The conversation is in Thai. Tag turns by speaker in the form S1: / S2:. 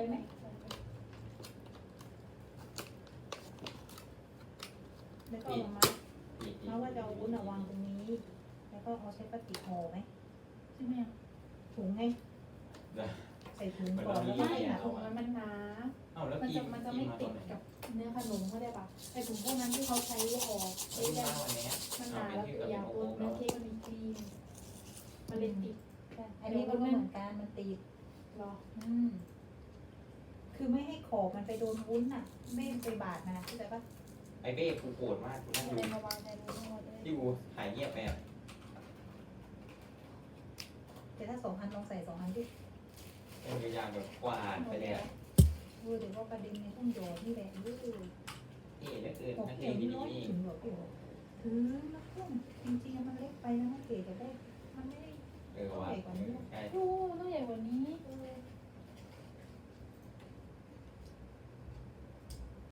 S1: ไหมแล้วก็เอามาว่าจะเอาวุ้นวางตรงนี้แล้วก็เอาใช้ปฏิห่อไหมใช่ไหมถุงไงใส่ถุงก่อนแล้วก็
S2: ไม่
S1: ให้หนา
S2: ถุงมันหนา
S3: เอ้าแล้ว
S2: มัน
S3: พี่
S2: จะไม่ติดกับเนื้อขนมเขาได้ปะไอถุงพวกนั้นที่เขาใช้ห่อ
S3: ไม่
S2: ได้
S3: มาวันนี้
S2: มันหนาแล้วยาวตัวเนื้อเค้กมันมีครีมมันเลยติด
S1: อันนี้มันก็เหมือนกันมันตีด
S2: หรอ
S1: คือไม่ให้ขอบมันไปโดนวุ้นอ่ะไม่ไปบาดนะเข้าใจปะ
S3: ไอเบ้กูโกรธมากกูนั่ง
S2: อะ
S3: ดู
S2: ไรมาวางในรูทั้งหมดเลย
S3: ที่กูหายเงียบไปอ่ะ
S1: แต่ถ้า2,000ลองใส่2,000ดิ
S3: เป็นพยายามแบบกวาดไปเลยอ่ะ
S1: เดี๋ยวว่าประเด็นในต้องโยนนี่แหละนี่คือ
S3: เอ๋เหลือเกิน
S1: หก
S3: นัก
S1: เข็
S3: เรียน
S1: ม
S3: ที่
S1: น้อย
S3: นี่
S1: ถึงหรอพี่ถือแล้วพุ่งจริงๆมันเล็กไปแล้วนะเก๋จะได้มันไม่ได้
S3: ว่ะใช่
S1: โอ้